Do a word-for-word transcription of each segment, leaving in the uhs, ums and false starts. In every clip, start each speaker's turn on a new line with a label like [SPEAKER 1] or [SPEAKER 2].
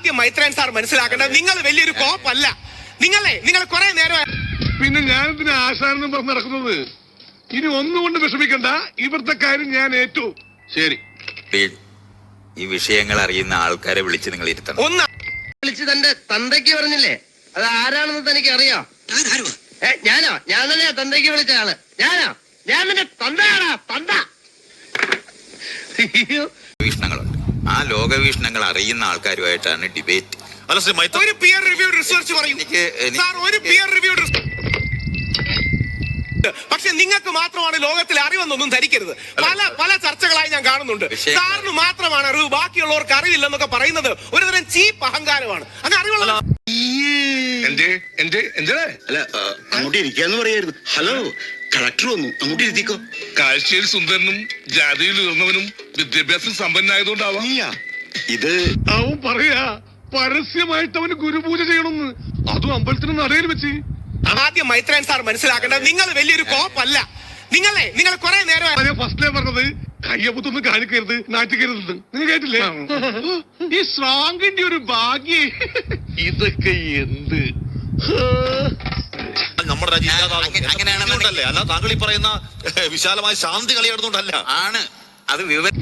[SPEAKER 1] ആദ്യം മൈത്രൻ സാർ മനസ്സിലാക്കേണ്ടത് നിങ്ങൾ വലിയൊരു കോപ്പല്ല. നിങ്ങളെ നിങ്ങൾ കുറെ നേരം
[SPEAKER 2] പിന്നെ ഞാൻ ഇതിന് ആശാനെന്ന് പറഞ്ഞ് നടക്കുന്നത്. ഇനി ഒന്നുകൊണ്ട് വിഷമിക്കണ്ട, ഇവിടുത്തെ കാര്യം ഞാൻ ഏറ്റു. ശരി,
[SPEAKER 3] ഈ വിഷയങ്ങൾ അറിയുന്ന ആൾക്കാരെ വിളിച്ച് നിങ്ങൾ ഇരുത്തണം.
[SPEAKER 1] ഒന്ന്
[SPEAKER 4] വിളിച്ച് തന്റെ തന്തയ്ക്ക് പറഞ്ഞില്ലേ, അത് ആരാണെന്ന് തനിക്ക് അറിയാം? ഞാനോ? ഞാൻ തന്നെയാ തന്തയ്ക്ക് വിളിച്ച ആള്. ഞാനോ? ഞാൻ നിന്റെ തന്തയാണോ? തന്ത.
[SPEAKER 3] വീക്ഷണങ്ങളുണ്ട്. ആ ലോകവീക്ഷണങ്ങൾ അറിയുന്ന ആൾക്കാരുമായിട്ടാണ് ഡിബേറ്റ്.
[SPEAKER 1] ഒരു പിയർ റിവ്യൂഡ് റിസർച്ച് പറയൂ സാർ, ഒരു പിയർ റിവ്യൂഡ്. പക്ഷെ നിങ്ങൾക്ക് മാത്രമാണ് ലോകത്തിൽ അറിവെന്നൊന്നും ധരിക്കരുത്. പല പല ചർച്ചകളായി ഞാൻ കാണുന്നുണ്ട്. സാറിന് മാത്രമാണ് അറിവ്, ബാക്കിയുള്ളവർക്ക് അറിവില്ലെന്നൊക്കെ പറയുന്നത് ഒരുതരം ചീപ്പ് അഹങ്കാരമാണ്. അത് അറിവുള്ള
[SPEAKER 5] അല്ല, അങ്ങോട്ട് ഇരിക്കാന്ന് പറയായിരുന്നു. ഹലോ, കളക്ടർ വന്നു, അങ്ങോട്ട് ഇരുത്തിക്കോ.
[SPEAKER 2] കാഴ്ചയിൽ സുന്ദരനും ജാതിയിൽ ഉയർന്നവനും വിദ്യാഭ്യാസം സമ്പന്നായതുകൊണ്ടാവാം.
[SPEAKER 5] ഇത്
[SPEAKER 2] അവൻ പറയാ പരസ്യമായിട്ട് അവന് ഗുരുപൂജ ചെയ്യണമെന്ന്, അതും അമ്പലത്തിന് നടയിൽ വെച്ച്.
[SPEAKER 1] ആദ്യം മൈത്രൻ സാർ മനസ്സിലാക്കേണ്ടത് നിങ്ങൾ വലിയൊരു കോപ്പല്ല. നിങ്ങളെ നിങ്ങൾ കുറെ നേരം
[SPEAKER 2] ഫസ്റ്റിലേ പറഞ്ഞത് കയ്യപ്പത്തൊന്നും കാണിക്കരുത്, നാട്ടിക്കരുത്. നിങ്ങൾ കേട്ടില്ലേ? ഈ സ്ട്രോങ്ങിന്റെ ഒരു ഭാഗ്യേ. ഇതൊക്കെ എന്ത്
[SPEAKER 6] നമ്മുടെ രാജ്യം അങ്ങനെയാണെന്നുണ്ടല്ലേ? അല്ല, താങ്കൾ ഈ പറയുന്ന വിശാലമായ ശാന്തി കളിയാടുന്നോണ്ടല്ല.
[SPEAKER 3] ആണ് അത് വിവരം.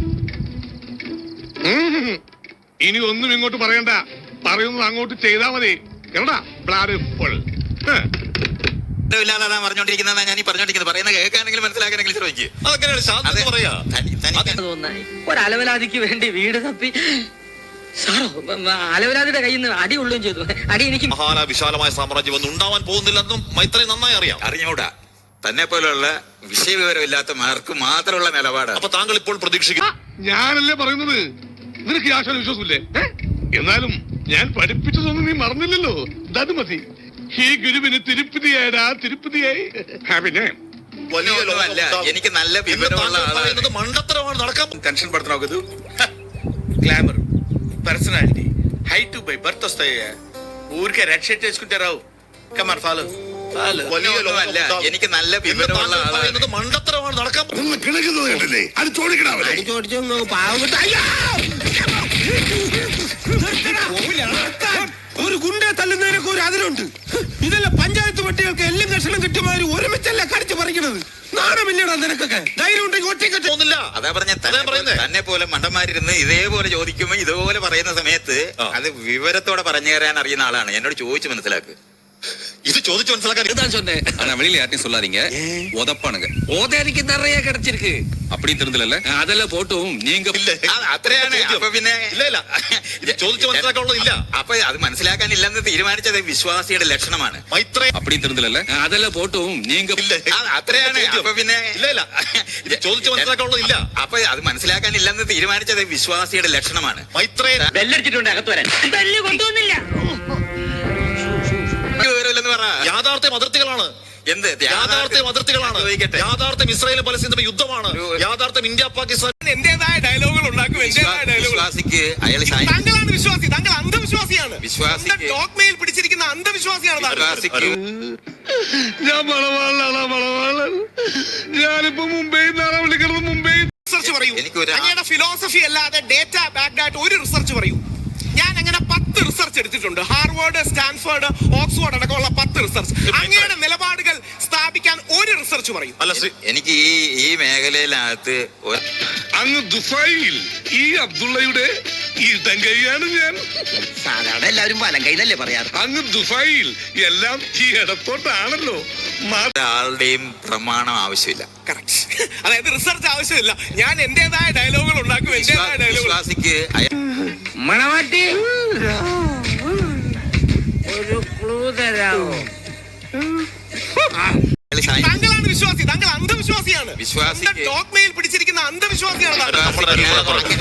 [SPEAKER 2] ഇനി ഒന്നും ഇങ്ങോട്ട് പറയണ്ട, പറയുന്നത് അങ്ങോട്ട് ചെയ്താ മതി. കേട്ടാ ബ്ലാഡ് ഫുൾ.
[SPEAKER 3] ഇല്ലാതെ പറഞ്ഞോണ്ടിരിക്കുന്ന ഞാൻ ഈ പറഞ്ഞോണ്ടിരിക്കുന്നത് പറയുന്ന കേൾക്കാനെങ്കിലും മനസ്സിലാക്കാനെങ്കിലും ശ്രമിക്കും.
[SPEAKER 6] അതെങ്ങനെയാണ് ശാന്തി പറയാ?
[SPEAKER 4] ഒരലവലാതിക്ക് വേണ്ടി വീട് തപ്പി സാറോ അലവലാതിയുടെ കയ്യിൽ നിന്ന് അടി കൊള്ളുകയും ചെയ്തു. അടി എനിക്ക്
[SPEAKER 6] മഹാന വിശാലമായ സാമ്രാജ്യം ഒന്നും ഉണ്ടാവാൻ പോകുന്നില്ലെന്നും മൈത്രേ നന്നായി അറിയാം.
[SPEAKER 3] അറിഞ്ഞൂടാ, തന്നെ പോലുള്ള വിഷയവിവരമില്ലാത്ത മാർക്ക് മാത്രമുള്ള നിലപാട്.
[SPEAKER 6] അപ്പൊ താങ്കൾ ഇപ്പോൾ പ്രതീക്ഷിക്കുന്നു?
[SPEAKER 2] ഞാനല്ലേ പറയുന്നത്, നിനക്ക് ആശാന വിശ്വാസമില്ലേ? എന്നാലും ഞാൻ പഠിപ്പിച്ചതൊന്നും നീ മറന്നില്ലല്ലോ. അത് മതി. ഈ ഗുരുവിന് തിരുപ്പതിയായടാ, തിരുപ്പതിയായി. പിന്നെ
[SPEAKER 6] വലിയ
[SPEAKER 3] അല്ല, എനിക്ക് നല്ല വിവരമുള്ള ആളാണ്.
[SPEAKER 6] മണ്ടത്തരമാണ് നടക്കാൻ.
[SPEAKER 7] టెన్షన్ పడుతున్నావు కదా? Glamour, personality, height by birth వస్తాయి. ఊరికే రెడ్ షర్ట్ వేసుకుంటే రావు. Come on follow.
[SPEAKER 3] അല്ല, എനിക്ക് നല്ല വിവരമുള്ള ആളാണ്.
[SPEAKER 6] മണ്ടത്തരമാണ് നടക്കാൻ.
[SPEAKER 2] കിടക്കുന്നത് കേട്ടില്ലേ? അത് ചോദിക്കണേ.
[SPEAKER 8] ഒരു ഗുണ്ടെ തല്ലുന്നതിനൊക്കെ ഒരു അതിലുണ്ട്. ഇതെല്ലാം പഞ്ചായത്ത് പട്ടികൾക്ക് എല്ലാം കഷണം കിട്ടുമാതിരി ഒരുമിച്ചല്ല കടിച്ചു പറിക്കണത്. നാണമില്ലടാ നിനക്കൊക്കെ? ധൈര്യം ഉണ്ടെങ്കിൽ ഒറ്റയ്ക്ക്
[SPEAKER 6] തോന്നില്ല.
[SPEAKER 3] അതാ പറഞ്ഞ തന്നെ പോലെ മണ്ടന്മാരിരുന്ന് ഇതേപോലെ ചോദിക്കുമ്പോ ഇതുപോലെ പറയുന്ന സമയത്ത് അത് വിവരത്തോടെ പറഞ്ഞു തരാൻ അറിയുന്ന ആളാണ്. എന്നോട് ചോദിച്ചു മനസ്സിലാക്ക്.
[SPEAKER 6] ഇത് ചോദിച്ചു മനസ്സിലാക്കാൻ
[SPEAKER 9] வெளியில யார்ட்டையும் சொல்லாதீங்க. உதப்பானுங்க. ஓதேரிக்கு நிறைய கிடைச்சிருக்கு. அப்படி தெரிஞ்சல அதெல்லாம் போட்டும் நீங்க
[SPEAKER 3] അത്രയാണ്. അപ്പൊ പിന്നെ
[SPEAKER 6] ഇല്ല ഇല്ല, ഇത് ചോദിച്ചു മനസ്സിലാക്കാനുള്ളതില്ല.
[SPEAKER 3] അപ്പൊ അത് മനസ്സിലാക്കാനില്ലെന്ന് തീരുമാനിച്ചത് വിശ്വാസിയുടെ ലക്ഷണമാണ്.
[SPEAKER 6] മൈത്രേ,
[SPEAKER 9] அப்படி தெரிஞ்சல அதெல்லாம் போட்டும் நீங்க
[SPEAKER 3] അത്രയാണ്. അപ്പൊ പിന്നെ
[SPEAKER 6] ഇല്ല ഇല്ല, ഇത് ചോദിച്ചു മനസ്സിലാക്കാനുള്ളതില്ല.
[SPEAKER 3] അപ്പൊ അത് മനസ്സിലാക്കാനില്ലെന്ന് തീരുമാനിച്ചത് വിശ്വാസിയുടെ ലക്ഷണമാണ്.
[SPEAKER 6] മൈത്രേ,
[SPEAKER 4] ബെല്ലടിച്ചിട്ടുണ്ട്, അകത്ത് വരാൻ. ബെല്ല് കൊണ്ടുവന്നില്ല.
[SPEAKER 3] വിവരമില്ലെന്ന് പറ.
[SPEAKER 6] യാഥാർത്ഥ്യം അതിർത്തികളാണ്.
[SPEAKER 3] എന്ത്
[SPEAKER 6] യാഥാർത്ഥ്യം അതിർത്തികളാണ്? യാഥാർത്ഥ്യം ഇസ്രായേലും പലസ്തീനും യുദ്ധമാണ്. യാഥാർത്ഥ്യം ഇന്ത്യ പാകിസ്ഥാൻ.
[SPEAKER 1] എന്റേതായ ഡയലോഗുകൾ ഉണ്ടാക്കും.
[SPEAKER 3] വിശ്വാസിക്ക് അയാൾ
[SPEAKER 1] താങ്കളാണ് വിശ്വാസി, താങ്കൾ അന്ധവിശ്വാസിയാണ്.
[SPEAKER 3] വിശ്വാസിക്ക്
[SPEAKER 1] ഡോക്മയിൽ പിടിച്ചിരിക്കുന്ന അന്ധവിശ്വാസിയാണ്.
[SPEAKER 3] വിശ്വാസിക്ക്
[SPEAKER 2] ഞാൻ മണവാളാണ്, മണവാളൻ. ഞാനിപ്പോ മുംബൈ നിന്നാണ് വിളിക്കുന്നത്. മുംബൈ
[SPEAKER 1] റിസർച്ച് പറയൂ.
[SPEAKER 3] എനിക്കൊരു
[SPEAKER 1] അങ്ങയുടെ ഫിലോസഫി അല്ലാതെ ഡേറ്റ ബാക്ക്ഡ് ആയിട്ട് ഒരു റിസർച്ച് പറയൂ. ഞാൻ അങ്ങനെ പത്ത് റിസർച്ച് എടുത്തിട്ടുണ്ട്. ഹാർവാർഡ്, സ്റ്റാൻഫോർഡ്, ഓക്സ്ഫോർഡ് അടക്കമുള്ള പത്ത് റിസർച്ച്. അങ്ങയുടെ നിലപാടുകൾ സ്ഥാപിക്കാൻ ഒരു റിസർച്ച് പറയും.
[SPEAKER 3] എനിക്ക് ഈ ഈ മേഖലയിലകത്ത്
[SPEAKER 2] അങ്ങ് ദുബായിൽ ഈ അബ്ദുള്ളയുടെ ഇടങ്കൈയാണ് ഞാൻ.
[SPEAKER 4] സാധാരണ എല്ലാവരും വലം കൈന്നല്ലേ പറയാറ്.
[SPEAKER 2] അങ്ങ് ദുബായിൽ എല്ലാം ഈ ഇടത്തോട്ടാണല്ലോ.
[SPEAKER 3] ഒരാളുടെയും പ്രമാണം ആവശ്യമില്ല.
[SPEAKER 1] കറക്റ്റ്. അതായത് റിസർച്ച് ആവശ്യമില്ല. ഞാൻ എന്റേതായ ഡയലോഗുകൾ ഉണ്ടാക്കും. എന്റേതായ ഡയലോഗുകൾ.
[SPEAKER 3] വിശ്വാസിക്ക്
[SPEAKER 4] മണവാട്ടി ഒരു ക്ലൂ തരാമോ?
[SPEAKER 1] താങ്കളാണ് വിശ്വാസി, താങ്കൾ അന്ധവിശ്വാസിയാണ്.
[SPEAKER 3] വിശ്വാസിക്ക്
[SPEAKER 1] ഡോക്മയിൽ പിടിച്ചിരിക്കുന്ന അന്ധവിശ്വാസിയാണ്.